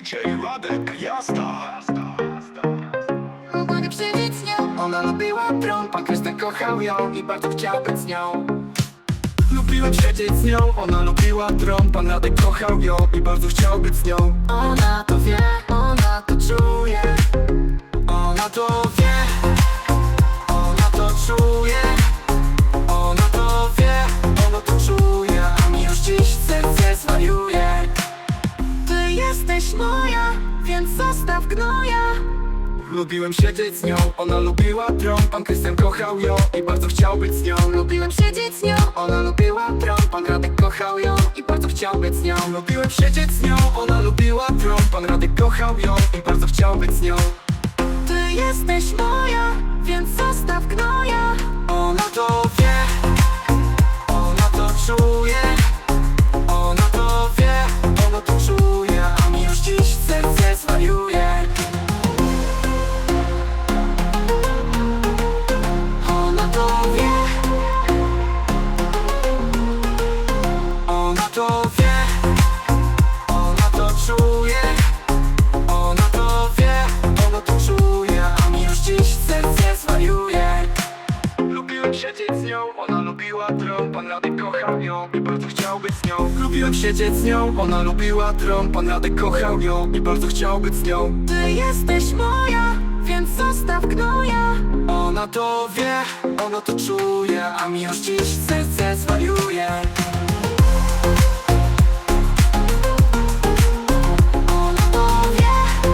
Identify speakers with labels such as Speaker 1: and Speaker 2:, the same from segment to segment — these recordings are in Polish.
Speaker 1: DJ Radek, jazda.
Speaker 2: Mogę przeżyć z nią. Ona lubiła prom, pan Krystian kochał ją i bardzo chciał być z nią. Lubiłem siedzieć z nią, ona lubiła tron, pan Radek kochał ją i bardzo chciał być z nią. Ona to wie, ona to czuje. Ona to wie, ona to czuje. Ona to wie, ona to czuje, a mi już dziś serce zwariuje. Ty jesteś moja, więc zostaw gnoja. Lubiłem siedzieć z nią, ona lubiła tron, pan Krystian kochał ją i bardzo chciał być z nią. Lubiłem siedzieć z nią, ona lubiła tron, pan Radek kochał ją i bardzo chciał być z nią. Lubiłem siedzieć z nią, ona lubiła tron, pan Radek kochał ją i bardzo chciał być z nią. Ty jesteś moja, więc zostaw gnoja. Ona to wie, ona to czuje. Ona to wie, ona to czuje, a mi już dziś serce zwariuje. Ona to wie, ona to wie, ona to czuje. Ona to wie, ona to czuje, a mi już dziś serce zwariuje. Lubiłem siedzieć z nią, ona lubiła tron, pan Radek kochał ją i bardzo chciał być z nią. Lubiłem siedzieć z nią, ona lubiła tron, pan Radek kochał ją i bardzo chciał być z nią. Ty jesteś moja, więc zostaw gnoja. Ona to wie, ona to czuje, a mi już dziś serce zwariuje. Ona to wie,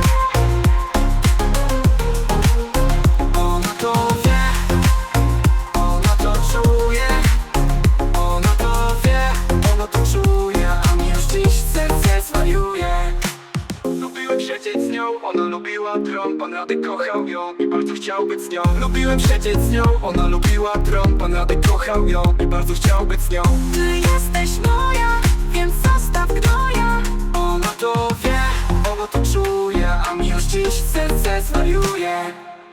Speaker 2: ona to wie, ona to czuje. Ona to wie, ona to czuje, a mi już dziś serce zwariuje. Lubiłem siedzieć z nią, ona lubiła tron, pan Radek kochał ją i bardzo chciał być z nią. Lubiłem siedzieć z nią, ona lubiła tron, pan Radek kochał ją i bardzo chciał być z nią. Ty jesteś moja, więc zostaw gnoja. Ona to wie, ona to czuje, a mi już dziś serce zwariuje.